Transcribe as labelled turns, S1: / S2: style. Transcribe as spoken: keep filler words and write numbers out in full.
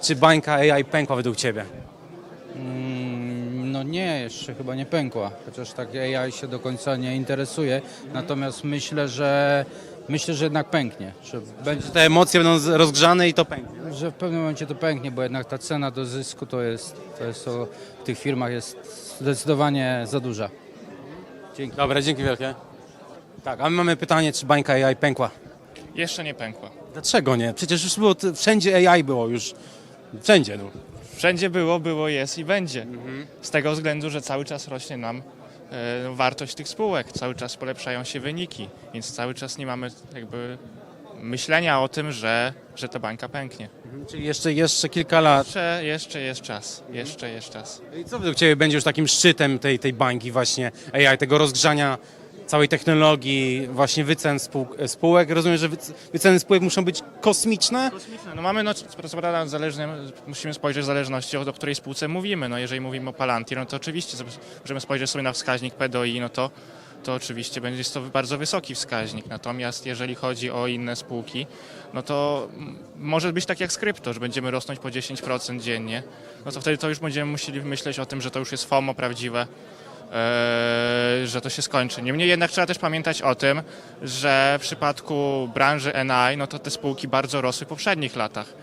S1: Czy bańka A I pękła według Ciebie?
S2: Mm, No nie, jeszcze chyba nie pękła, chociaż tak A I się do końca nie interesuje. Natomiast myślę, że myślę, że jednak pęknie, że będzie,
S1: Te emocje będą z- rozgrzane i to pęknie.
S2: że w pewnym momencie to pęknie, bo jednak ta cena do zysku to jest, to jest to w tych firmach jest zdecydowanie za duża. Dzięki.
S1: Dobra, dzięki wielkie. Tak, a my mamy pytanie, czy bańka A I pękła?
S3: Jeszcze nie pękła.
S1: Dlaczego nie? Przecież już było, t- wszędzie A I było już, wszędzie. No.
S3: Wszędzie było, było, jest i będzie. Z tego względu, że cały czas rośnie nam e, wartość tych spółek, cały czas polepszają się wyniki, więc cały czas nie mamy jakby myślenia o tym, że, że ta bańka pęknie.
S1: Czyli jeszcze, jeszcze kilka lat.
S3: Jeszcze, jeszcze jest czas, jeszcze jest czas.
S1: I co według Ciebie będzie już takim szczytem tej, tej bańki właśnie A I, tego rozgrzania całej technologii, właśnie wycen spół, spółek? Rozumiem, że wyc- wyceny spółek muszą być kosmiczne?
S3: No mamy, no, co prawda, zależne, musimy spojrzeć w zależności od o której spółce mówimy. No, jeżeli mówimy o Palantir, no to oczywiście sobie- możemy spojrzeć sobie na wskaźnik P do I, no to, to oczywiście będzie jest to bardzo wysoki wskaźnik. Natomiast jeżeli chodzi o inne spółki, no to mm, może być tak jak z krypto, że będziemy rosnąć po dziesięć procent dziennie. No to wtedy to już będziemy musieli myśleć o tym, że to już jest FOMO prawdziwe. Eee, że to się skończy. Niemniej jednak trzeba też pamiętać o tym, że w przypadku branży N I, no to te spółki bardzo rosły w poprzednich latach.